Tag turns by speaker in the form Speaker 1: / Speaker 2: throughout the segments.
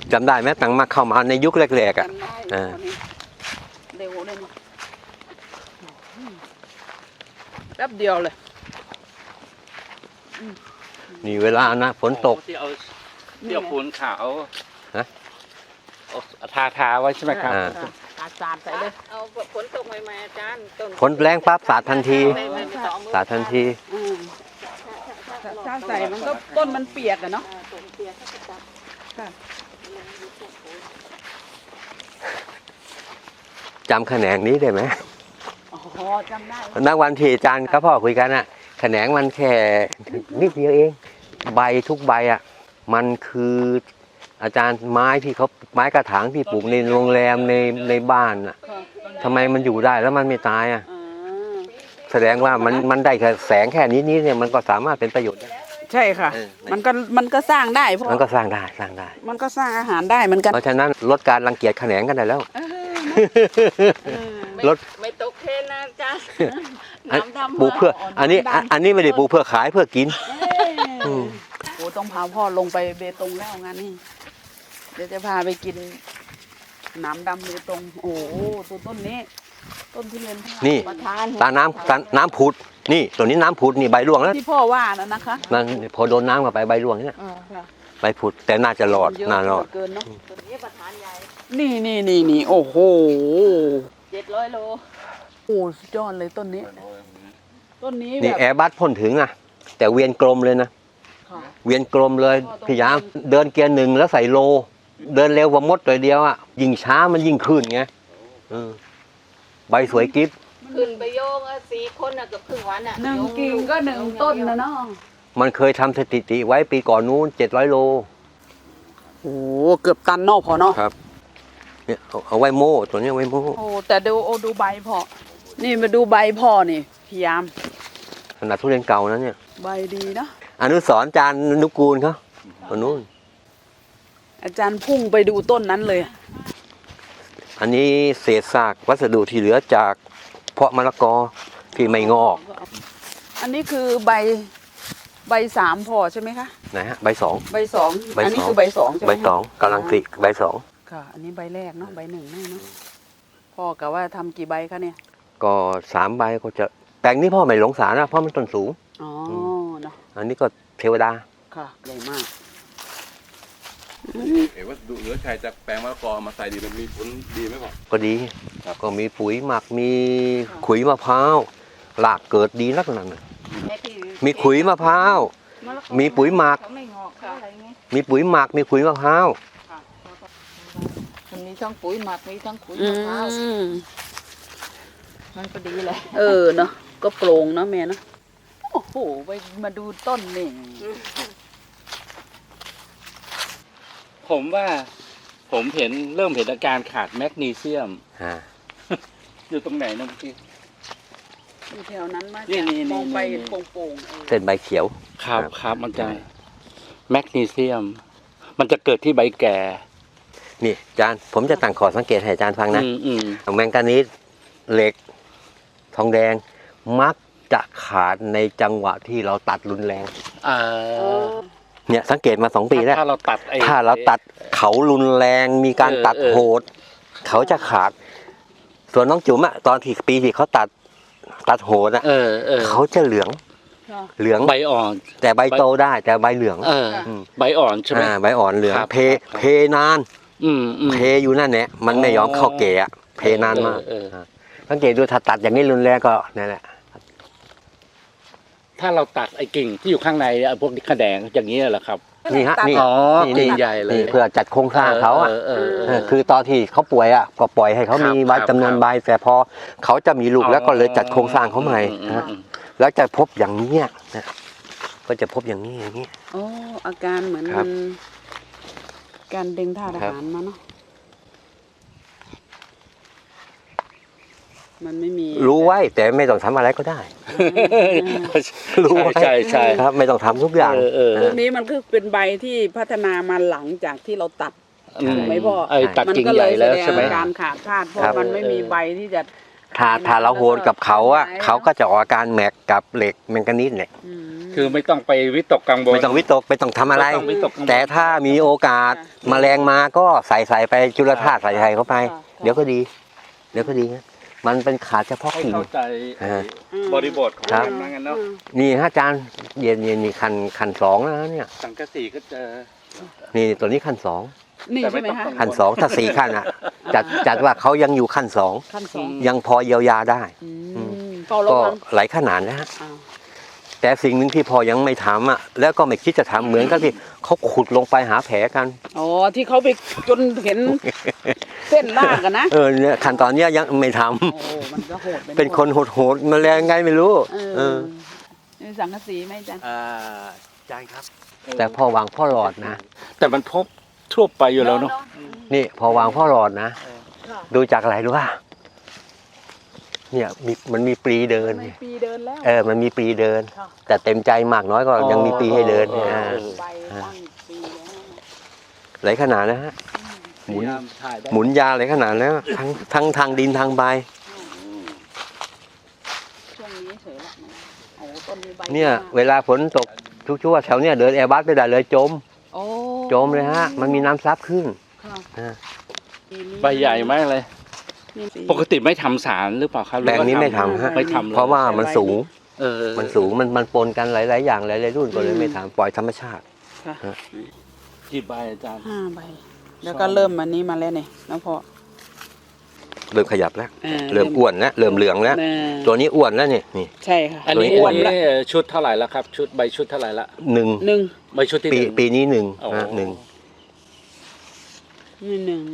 Speaker 1: จำได้ไหมตั้งมาเข้ามาในยุคแรกๆอ่ะ
Speaker 2: จำได้
Speaker 1: อ่า
Speaker 2: เร็วเลยนี่แป๊บเดียวเลย
Speaker 1: นี่เวลานะฝนตก
Speaker 3: ที่เอาปูนขาว
Speaker 1: ฮะ
Speaker 3: เอาทาไว้ใช่ไหมครับ
Speaker 2: สาดใส่เลย
Speaker 4: เอาฝนตกใหม่ๆอาจารย์ต้น
Speaker 1: ฝนแรงปั๊บสาดทันที
Speaker 4: ไม่ต้องเอามือ
Speaker 1: สาดทันที
Speaker 2: ถ้าใส่มันก็ต้นมันเปียกอะเนาะ
Speaker 4: ต้นเปียกก็จะจับ
Speaker 2: ค่ะ
Speaker 1: จำแขนงนี้ได้ไหม
Speaker 2: อ๋อจำได้
Speaker 1: นักวันที่อาจารย์กับพ่อคุยกันอ่ะแขนงมันแค่นิดเดียวเอง ใบทุกใบอ่ะมันคืออาจารย์ไม้ที่เขาไม้กระถางที่ปลูกในโรงแรมในบ้านอ่ะทำไมมันอยู่ได้แล้วมันไม่ตายอ่ะ
Speaker 2: อ่า
Speaker 1: แสดงว่ามันได้แค่แสงแค่นี้เนี่ยมันก็สามารถเป็นประโยชน์ได้
Speaker 2: ใช่ค่ะ
Speaker 1: เออ
Speaker 2: มันก็สร้างได้เพราะ
Speaker 1: มันก็สร้างได้
Speaker 2: มันก็สร้างอาหารได้เหมือนกัน
Speaker 1: เพราะฉะนั้นลดการรังเกียจแขนงกันได้แล้ว รถ
Speaker 4: ไม่ตกเทรนนะอาจารย์
Speaker 1: อัน
Speaker 4: น้ำดำ
Speaker 1: ปลูกเพื่ออันนี้ไม่ได้ปลูกเพื่อขายเพื่อกิน อืม
Speaker 2: โอ้ต้องพาพ่อลงไปเบตงแล้วงานนี้เดี๋ยวจะพาไปกินน้ำดำเบตงโอ้โหตัวต้นนี้ ต้นทุเรียน
Speaker 1: นี่
Speaker 4: ประธาน
Speaker 1: ตาน้ำผุดนี่ตัวนี้น้ำผุดนี่ใบร่วงแล้ว
Speaker 2: ที่พ่อว่านะนะคะ
Speaker 1: มันพอโดนน้ำเข้าไปใบร่วงเนี่ย
Speaker 2: ค่ะ
Speaker 1: ใบผุดแต่น่าจะรอด
Speaker 2: เยอะ
Speaker 1: น่ารอด
Speaker 2: เกินเนาะ
Speaker 4: ต้นนี้ประธานใหญ่
Speaker 2: นี่โอ้โห
Speaker 4: 700 โล
Speaker 2: โอ้สุดยอดเลยต้นนี้ ต้นนี้
Speaker 1: นี่
Speaker 2: แบบ
Speaker 1: แอร์บัสพ่นถึงนะแต่เวียนกลมเลยนะ
Speaker 2: ค่ะ
Speaker 1: เวียนกลมเลยพี่ยามเดินเกียร์หนึ่งแล้วใส่โล เดินเร็วกว่ามดตัวเดียวอ่ะยิ่งช้ามันยิ่งขึ้นไงใบสวยกิ๊บ
Speaker 4: ขึ้นไปโยง4 คนน่ะเกือบครึ่งวันน่ะ
Speaker 2: หนึ่งกิ่งก็หนึ่งต้นนะเนาะ
Speaker 1: มันเคยทำสถิติไว้ปีก่อนนู้น700 โล
Speaker 2: โอ้เกือบตันเนอกพอเนาะ
Speaker 1: ครับเนี่ยเอาไว้โม่ตัวนี้เอาไว้โม่
Speaker 2: โอ้แต่ดูใบพอนี่มาดูใบพ่อนี่พยายาม
Speaker 1: ขนาดทุเรียนเก่านะเนี่ย
Speaker 2: ใบดีเนาะ
Speaker 1: อนุสรณ์จานนุกูลเขาตัวนู้น
Speaker 2: อาจารย์พุ่งไปดูต้นนั้นเลย
Speaker 1: อันนี้เศษซากวัสดุที่เหลือจากเพาะมะละกอที่ไม่งอก
Speaker 2: อันนี้คือใบ3พอใช่ไหมคะ
Speaker 1: นะฮะใบสอง
Speaker 2: ใบสอง
Speaker 1: ใบสอง
Speaker 2: อันนี้คือใบสองใช่ไหม
Speaker 1: ใบสองกำลังติใบสอง
Speaker 2: ค่ะ อันนี้ใบแรกเนาะใบหนึ่งแน่เนาะพ่อกะว่าทำกี่ใบคะเนี่ย
Speaker 1: ก็3 ใบก็จะแปลงนี้พ่อไม่หลงสารนะเพราะมันต้นสูง
Speaker 2: อ๋อเนาะ
Speaker 1: อันนี้ก็เทวดา
Speaker 2: ค่ะใหญ่มาก
Speaker 5: เห็นว่าดูเหลือชัยจากแปลงมะละกอมาใส่ดีมันมีผลดีไหมพ่อ
Speaker 1: ก็ดีก็มีปุ๋ยหมักมีขุยมะพร้าวหลากเกิดดีนักนั่นน่ะมีขุยมะพร้าวมีปุ๋ยหมัก
Speaker 4: เขาไม่งอกเขาอะไรไง
Speaker 1: มีปุ๋ยหมักมีขุยมะพร้าว
Speaker 4: มันมีทั้งปุ๋ยหมักมีทั้งปุ๋ย
Speaker 2: อื
Speaker 4: มะพร้าว
Speaker 2: ม
Speaker 4: มันก็ดีเลย
Speaker 2: เนาะก็โปร่งเนาะแม่เนาะโอ้โหไปมาดูต้นนี่
Speaker 3: ผมว่าผมเริ่มเห็นอาการขาดแมกนีเซียม
Speaker 1: อ่า
Speaker 3: อยู่ตรงไหนนะเมื่อกี้
Speaker 2: อยู่แถวนั้นมา
Speaker 3: นี่
Speaker 2: จากมองไป
Speaker 3: นี่
Speaker 2: โป่งๆ
Speaker 1: เส้นใบเขียว
Speaker 3: ครับมันจะแมกนีเซียม มันจะเกิดที่ใบแก่
Speaker 1: นี่อาจารย์ผมจะตั้งขอสังเกตให้อาจารย์ฟังนะ
Speaker 3: อืม
Speaker 1: แมงกานีสเหล็ก ทองแดงมักจะขาดในจังหวะที่เราตัดรุนแรง
Speaker 3: อ่า
Speaker 1: เนี่ยสังเกตมา2 ปีแล้ว
Speaker 3: ถ้าเราตัด
Speaker 1: ถ้าเราตัดเขารุนแรงมีการตัดโหด เขาจะขาด ส่วนน้องจุ๋มอะตอนที่ปีที่เขาตัดโหดอะ เขาจะเหลือง
Speaker 3: ใบอ่อน
Speaker 1: แต่ใบโตได้แต่ใบเหลือง
Speaker 3: ใบอ่อนใช่ไหม
Speaker 1: ใบอ่อนเหลือง
Speaker 3: ครับ
Speaker 1: เพนาน
Speaker 3: อืม
Speaker 1: เพอยู่นั่นแหละมันไม่ยอมเข้าแก่อะเพนานมากสังเกตดูถ้าตัดอย่างนี้รุนแรงก็นั่นแหละ
Speaker 3: ถ้าเราตัดไอ้กิ่งที่อยู่ข้างในพวกนี้ขแดงอย่างนี้เหรอครับ
Speaker 1: นี่ฮะนี่
Speaker 3: อ๋อ
Speaker 1: นี่
Speaker 3: กิ่งใหญ่เลย
Speaker 1: นี่เพื่อจัดโครงสร้างเขาอะ คือตอนที่เขาป่วยอ่ะก็ปล่อยให้เขามีใบจำนวนใบแต่พอเขาจะมีลูกแล้วก็เลยจัดโครงสร้างเขาใหม่นะแล้วจะพบอย่างนี้นะก็จะพบอย่างนี้
Speaker 2: โอ้อาการเหมือน
Speaker 1: ครั
Speaker 2: มั
Speaker 1: บ
Speaker 2: นการดึงธาตุอาหารมาเนาะมันไม่มี
Speaker 1: รู้ไว้แต่ไม่ต้องทำอะไรก็ได้ รู้ไว้
Speaker 3: ใช่
Speaker 1: ครับ ไม่ต้องทำทุกอย่าง
Speaker 2: พวกนี้มันคือเป็นใบที่พัฒนามาหลังจากที่เราตัด ถูกไหมพ่อ
Speaker 3: ไอ้ตัด
Speaker 2: มัน
Speaker 3: กิ่ง
Speaker 2: ก็
Speaker 3: ให
Speaker 2: เล
Speaker 3: ญ่
Speaker 2: ยแส
Speaker 3: แล้ว
Speaker 2: ดง
Speaker 3: ใช่ไหม
Speaker 2: อาการขาดธาตุเพราะ
Speaker 1: ครับ
Speaker 2: มันไม่มีใบที่จะ
Speaker 1: ถ้าเราโหดกับเขาอ่ะเขาก็จะออกอาการแม็กกับเหล็กแมงกานีสเนี่ย
Speaker 2: อืม
Speaker 3: คือไม่ต้องไปวิตกกังวล
Speaker 1: ไม่ต้องวิตกไม่ต้องทำอะไร
Speaker 3: ไม่ต้องวิตกกังวล
Speaker 1: แต่ถ้ามีโอกาสแมลงมาก็ใส่ไปจุลธาตุใส่เข้าไป เดี๋ยวก็ดี เดี๋ยวก็ดีนะมันเป็นขาดเฉพาะ
Speaker 3: ให้
Speaker 1: กิ่ง
Speaker 3: เข้าใจ บริบทของ
Speaker 1: ครับ
Speaker 3: มันงั้นเนาะ
Speaker 1: นี่ฮะอาจารย์เย็นนี่คันสองแล้วนะเนี่ย
Speaker 3: สังกะสีก็เจอ
Speaker 1: นี่ตัวนี้คันสอง
Speaker 2: นี่
Speaker 3: แต่ไม่
Speaker 2: ใช่ไหม
Speaker 3: ต้อง
Speaker 2: คะ
Speaker 3: กังวล
Speaker 1: คันสองถ้าสี่คันอ่ะจัดว่าเขายังอยู่คันสอง
Speaker 2: ขั้นสอง
Speaker 1: ยังพอเยียวยาได้
Speaker 2: อืมเฝ้าระ
Speaker 1: ก็
Speaker 2: วัง
Speaker 1: หลายขนาดนะฮะ
Speaker 2: อ้าว
Speaker 1: แต่สิ่งหนึ่งที่พอยังไม่ทำอ่ะแล้วก็ไม่คิดจะทำเหมือนกับที่เขาขุดลงไปหาแผลกัน
Speaker 2: อ๋อที่เขาไปจนเห็นเส้นลากกันนะ
Speaker 1: เนี่ยขั้นตอนเนี้ยยังไม่ทำ
Speaker 2: โอ้มันก็โหด
Speaker 1: เป็นคนโหดๆแมลงไงไม่รู้
Speaker 2: นี่สังกะสีไหมจ๊ะ
Speaker 1: ใช่ครับ แต่พอวางพ่อหลอดนะ
Speaker 3: แต่มันพบทั่วไปอยู่แล้วเนาะ
Speaker 1: นี่พอวางพ่อหลอดนะ
Speaker 2: ค่ะ
Speaker 1: ดูจากอะไรรู้ป่ะเนี่ยมันมีปลีเดิน
Speaker 2: ทำไม
Speaker 1: เนี่ย
Speaker 2: ปีเดินแล้ว
Speaker 1: มันมีปลีเดิน
Speaker 2: ค่ะ
Speaker 1: แต่เต็มใจมากน้อยก็ยังมีปลีให้เดิน
Speaker 3: อ๋อ
Speaker 2: ใบตั้งปีแล้ว
Speaker 1: หลายขนาดนะฮะหมุน
Speaker 3: ถ่ายได้
Speaker 1: หมุนยาหลายขนาดแล้วทั้งทางดินทางใบ
Speaker 2: ช่วงนี้เฉยละมันโอ้ต้นนี้ใบ
Speaker 1: เนี่ย
Speaker 2: มาก
Speaker 1: เวลาฝนตกทุกช่วงแถวเนี่ยเดินแอร์บัสไม่ได้เลยจม
Speaker 2: โอ้
Speaker 1: จมเลยฮะ มันมีน้ำซับขึ้น
Speaker 2: ค่ะ
Speaker 1: อ่า
Speaker 3: ใบใหญ่มากเลย
Speaker 2: นี่สิ
Speaker 3: ปกติไม่ทำสารหรือเปล่าครับหรือ
Speaker 1: แปลง
Speaker 3: ว่า
Speaker 1: นี้ไม่ทำฮะ
Speaker 3: ไม่ทำเลย
Speaker 1: เพราะว่ามันสูง
Speaker 3: เออ
Speaker 1: มันสูงมันปนกันหลายๆอย่างหลายๆรุ่นก็เลยไม่ทำปล่อยธรรมชาติ
Speaker 2: ค่ะ
Speaker 3: กี่ใบอาจารย์
Speaker 2: 5 ใบ แล้วก็เริ่มอันนี้มาแล้วเนี่ยแล้วพอ
Speaker 1: เริ่มขยับแล้ว เริ่มอ้วนแล้วเริ่มเหลืองแล้ว ตัวนี้อ้วนแล้วนี่
Speaker 2: ใช่ค่ะ
Speaker 3: อันนี้
Speaker 1: ตัวนี้
Speaker 3: ชุดเท่าไหร่แล้วครับ ชุดใบชุดเท่าไหร่ละ
Speaker 1: หนึ่ง
Speaker 2: หนึ่ง
Speaker 3: ใบชุดที่หนึ่ง
Speaker 1: ปีนี้หนึ่ง
Speaker 3: อ๋อ
Speaker 1: นะหนึ่ง
Speaker 2: นี่หนึ่ง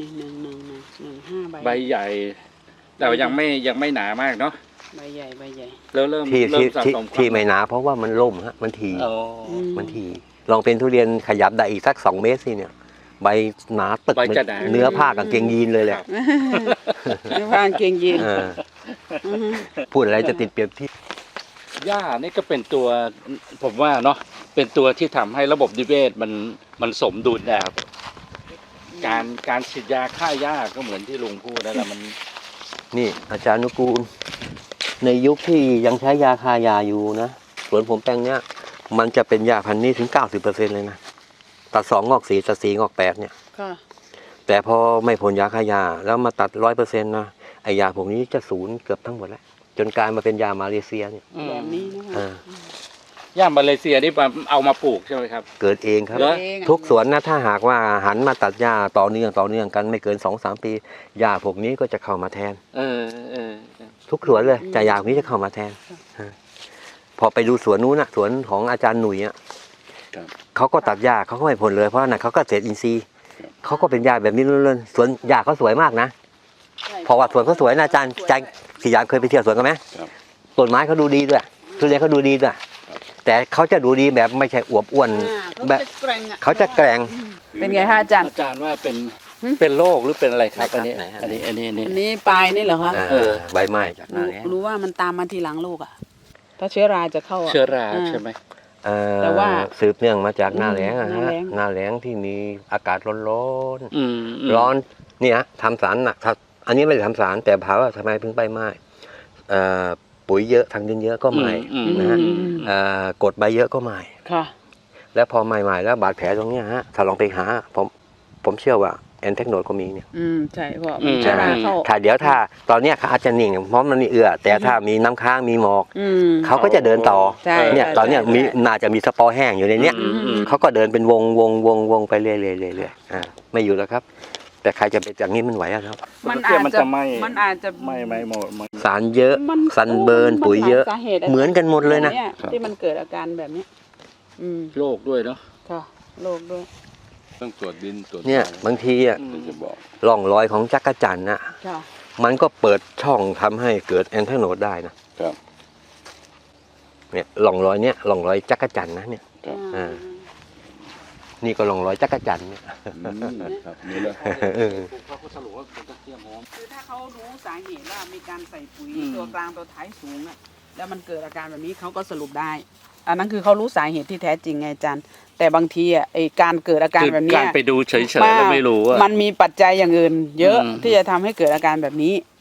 Speaker 2: 5 ใบ
Speaker 3: ใบใหญ่ แต่ว่ายังไม่หนามากเนาะ
Speaker 2: ใบใหญ่ใบใหญ่
Speaker 3: แล้วเริ่ม
Speaker 1: ที่
Speaker 3: สะสมความ
Speaker 1: ที่ไม่หนาเพราะว่ามันล่มฮะมันที
Speaker 3: อ๋อ
Speaker 1: มันทีลองเป็นทุเรียนขยับได้อีกสัก2 เมตรสิเนี่ย ใบหนาตึก
Speaker 3: ใบจะหนา
Speaker 1: เนื้อผ้ากางเกงยีนเลยแหละ
Speaker 2: ไม่พานเกงยีน
Speaker 1: เออพูดอะไรจะติดเปรียบเที่
Speaker 3: หญ้านี่ก็เป็นตัวผมว่าเนาะเป็นตัวที่ทำให้ระบบนิเวศมันสมดุลนะครับการฉีดยาฆ่าหญ้าก็เหมือนที่ลุงพูดนั่นแหละมัน
Speaker 1: นี่อาจารย์นุกูล ในยุคที่ยังใช้ยาคายาอยู่นะสวนผมแปลงเนี้ยมันจะเป็นยาพันธุ์นี้ถึง 90% เลยนะตัด2งอก4ตัด4งอก8เนี่ย
Speaker 2: ค่ะ
Speaker 1: แต่พอไม่พ่นยาฆ่ายาแล้วมาตัด 100% นะไอยาพวกนี้จะศูนย์เกือบทั้งหมดแล้วจนกลายมาเป็นยามาเลเซียเนี่ย
Speaker 2: แบบนี้นะคะ
Speaker 1: อ่า
Speaker 3: หญ้ามาเลเซียนี่เอามาปลูกใช่ไหมครับ
Speaker 1: เกิดเองครับ
Speaker 3: เหรอ
Speaker 2: เองอะ
Speaker 1: ทุกสวนนะถ้าหากว่าหันมาตัดหญ้าต่อเนื่องกันไม่เกิน 2-3 ปีหญ้าพวกนี้ก็จะเข้ามาแทน
Speaker 3: เออเออ
Speaker 1: ทุกสวนเลยจะหญ้าพวกนี้จะเข้ามาแทนพอไปดูสวนนู้นนะสวนของอาจารย์หนุ่ยอ่ะเขาก็ตัดหญ้าเขาก็ไม่พ่นเลยเพราะนั่นเขาก็เกษตรอินทรีย์เขาก็เป็นหญ้าแบบนี้ล้วนๆสวนหญ้าเขาสวยมากนะเพราะว่าสวนเขาสวยนะอาจารย์สี่ยามเคยไปเที่ยวสวนกันไหมต้นไม้เขาดูดีด้วยทุเรียนเขาดูดีด้วยแต่เขาจะดูดีแบบไม่ใช่อวบอ้วน แบบ เขาจะแกร่ง
Speaker 2: เป็นไงคะอาจารย์
Speaker 3: อาจารย์ว่าเป็นโรคหรือเป็นอะไรครับอันนี้
Speaker 1: ไหนครับ
Speaker 3: อันนี้
Speaker 2: อันนี้ปลายนี่เหรอคะ
Speaker 1: ใบไม้จากหน้าแล้ง
Speaker 2: รู้ว่ามันตามมาทีหลังลูกอ่ะ ถ้าเชื้อราจะเข้าอะ
Speaker 3: เชื้อราใช่ไหม
Speaker 2: แต่ว่า
Speaker 1: สืบเนื่องมาจากหน้าแล้งอะ
Speaker 2: หน้า
Speaker 1: ฮะ
Speaker 2: แล้ง
Speaker 1: หน้าแล้งที่มีอากาศร้อน
Speaker 3: อืม
Speaker 1: ร้อนเนี่ยทำสารหนักอันนี้ไม่ได้ทำสารแต่ถามว่าทำไมเพิ่งใบไม้ปุ๋ยเยอะทางดินเยอะก็ไม่ นะฮะ กดใบเยอะก็ไม่
Speaker 2: ค่ะ
Speaker 1: แล้วพอใหม่ๆแล้วบาดแผลตรงเนี้ยฮะถ้าลองไปหาผมเชื่อว่าแอนเทคโนดก็มีเนี่ย
Speaker 2: ใช่เพราะมันเชื้อราเข้า
Speaker 1: ถ้าเดี๋ยวถ้าตอนเนี้ยเขาอาจจะนิ่งเพราะมันมีแต่ถ้ามีน้ำค้างมีหมอก เขาก็จะเดินต่อ
Speaker 2: ใช่
Speaker 1: เนี่ย
Speaker 2: ใช่
Speaker 1: ตอนเนี้ย
Speaker 2: ใช่
Speaker 1: มีน่าจะมีสปอร์แห้งอยู่ในเนี้ย เขาก็เดินเป็นวงไปเรื่อยๆไม่อยู่แล้วครับ แต่ใครจะไปจากนี้มันไหวอะครับ
Speaker 2: มันอาจ
Speaker 3: มัน
Speaker 2: จะ
Speaker 3: จะไม่
Speaker 2: มันอาจจะ
Speaker 3: ไม่หมด
Speaker 1: สารเยอะ
Speaker 2: มัน
Speaker 1: ซันเบิร์น
Speaker 2: มัน
Speaker 1: ปุ๋ยเยอะ
Speaker 2: หลาสาตุ
Speaker 1: เหมือนกันหมดเลยนะ
Speaker 2: ที่มันเกิดอาการแบบเนี้ย
Speaker 3: โรคด้วยเนาะ
Speaker 2: ค่ะโรคด้วย
Speaker 5: ต้องตรวจดินตรวจ
Speaker 1: เนี่ยบางทีอ่ะ
Speaker 5: ถึงจะบอก
Speaker 1: ร่องรอยของจักรจันทร์น่ะ
Speaker 2: ค่ะ
Speaker 1: มันก็เปิดช่องทำให้เกิดแอนเทโนดได้นะครับ เนี่ยร่องรอยเนี้ยร่องรอยจักรจันทร์นะเนี่ย อ่า นี่ก็ร่องรอยจักรจันทร์เนี่ย
Speaker 5: ครับนี่เลย
Speaker 3: เขาก็สรุปว่าเป็นตะเกียบหอม
Speaker 2: คือถ้าเขารู้สาเหตุว่ามีการใส่ปุ๋ย
Speaker 3: อืม
Speaker 2: ตัวกลางตัวท้ายสูงอะแล้วมันเกิดอาการแบบนี้เขาก็สรุปได้ อันนั้นคือเขารู้สาเหตุที่แท้จริงไงอาจารย์ แต่บางทีอ่ะไอการเกิดอาการ
Speaker 3: คือ
Speaker 2: แบบเนี้
Speaker 3: กาย รไปดูเฉยๆแล้วไม่รู้ว่า
Speaker 2: มันมีปัจจัยอย่างอื่น เยอะ
Speaker 3: อืม
Speaker 2: ที่จะทำให้เกิดอาการแบบนี้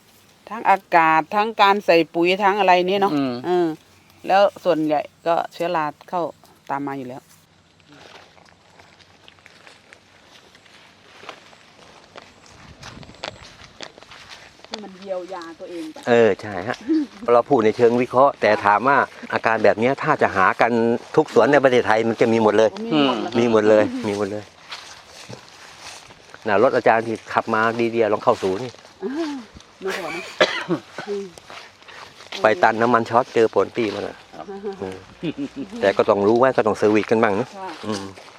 Speaker 2: ทั้งอากาศทั้งการใส่ปุ๋ยทั้งอะไรนี่เนาะ
Speaker 3: อืม
Speaker 2: แล้วส่วนใหญ่ก็เชื้อราเข้าตามมาอยู่แล้วให้มันเยียวยาตัวเองไป
Speaker 1: ใช่ฮะ เราพูดในเชิงวิเคราะห์ แต่ถามว่าอาการแบบเนี้ยถ้าจะหากันทุกสวนในประเทศไทยมันจะมีหมดเลย มีหมดเลย มีหมดเลยรถอาจารย์ที่ขับมาดีๆลองเข้าศูนย์นี่
Speaker 2: ไม่พอนะ
Speaker 1: ไปตันน้ำมันช็อตเจอผลปีมันอ่ะแต่ก็ต้องรู้ไว้ก็ต้องเซอร์วิสกันบ้างนะ
Speaker 2: ค่ะ
Speaker 1: อืม